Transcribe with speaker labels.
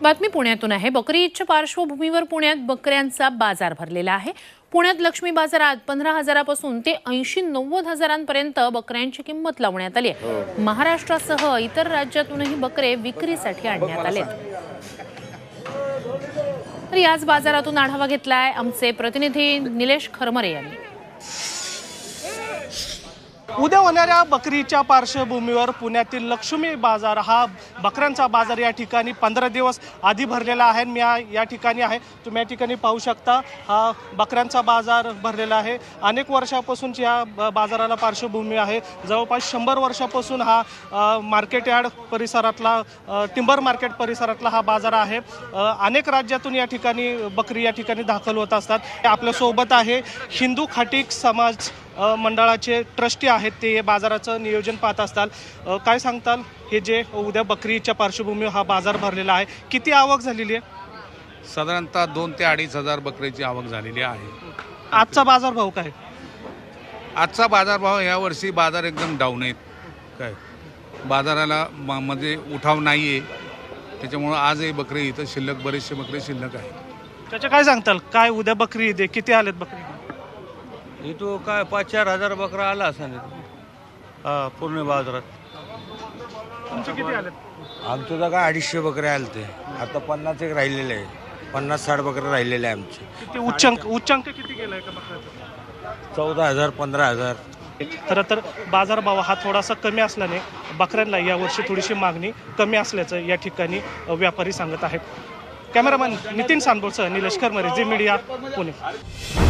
Speaker 1: बातमी पुण्यातून आहे। बकरी ईदच्या पार्श्वभूमीवर पुण्यात बकऱ्यांचा बाजार भरलेला आहे। पुण्यात लक्ष्मी बाजारात 15,000 पासून ते 80-90 हजारांपर्यंत बकऱ्यांची किंमत लावण्यात आली आहे। महाराष्ट्रासह इतर राज्यातूनही बकरे विक्रीसाठी आणण्यात आले। तर याच बाजारातून आढावा घेतलाय आमचे प्रतिनिधी निलेश खरमरे यांनी।
Speaker 2: उद्या होणाऱ्या बकरीच्या पार्श्वभूमीवर पुण्यातील लक्ष्मी बाजार हा बकऱ्यांचा बाजार या ठिकाणी 15 दिवस आधी भरलेला आहे। मी या ठिकाणी आहे, तुम्ही या ठिकाणी पाहू शकता हा बकऱ्यांचा बाजार भरलेला आहे। अनेक वर्षापासूनची या बाजाराला पार्श्वभूमी आहे। जवळपास 100 वर्षापासून हा मार्केट यार्ड परिसरातला टिंबर मार्केट परिसरातला हा बाजार आहे। अनेक राज्यातून या ठिकाणी बकरी या ठिकाणी दाखल होत असतात। आपल्यासोबत आहे हिंदू खाटीक समाज मंडळाचे ट्रस्टी आहेत, ते बाजाराचं नियोजन पाहत असतात। काय सांगताल, हे जे उद्या बकरीच्या पार्श्वभूमीवर हा बाजार भरलेला आहे, किती आवक झालेली आहे?
Speaker 3: साधारणतः 2 ते 2.5 हजार बकरीची आवक झालेली आहे।
Speaker 2: आजचा बाजारभाव काय?
Speaker 3: आजचा बाजारभाव यावर्षी बाजार एकदम डाऊन आहेत। काय बाजाराला मध्ये उठाव नाही आहे, त्याच्यामुळं आजही बकरी इथं शिल्लक, बरेचसे बकरी शिल्लक आहे।
Speaker 2: त्याच्या काय सांगताल, काय उद्या बकरी ईद आहे, किती आलेत बकरी?
Speaker 4: इथं काय 5-4 हजार बकरा आला असेल पूर्ण बाजारात।
Speaker 2: तुमचे किती आलेत?
Speaker 4: आमचं तर काय 250 बकरे आले ते, आता 50 एक राहिलेले आहे, 50-60 बकरे राहिलेले आहे आमचे।
Speaker 2: किती उच्चांक किती गेलाय का बकऱ्याचा?
Speaker 4: 14,000 15,000।
Speaker 2: खरं तर बाजारभाव हा थोडासा कमी असल्याने बकऱ्यांना यावर्षी थोडीशी मागणी कमी असल्याचं या ठिकाणी व्यापारी सांगत आहेत। कॅमेरामॅन नितीन सांबोरसह निलेश खरमरे, झी मीडिया, पुणे।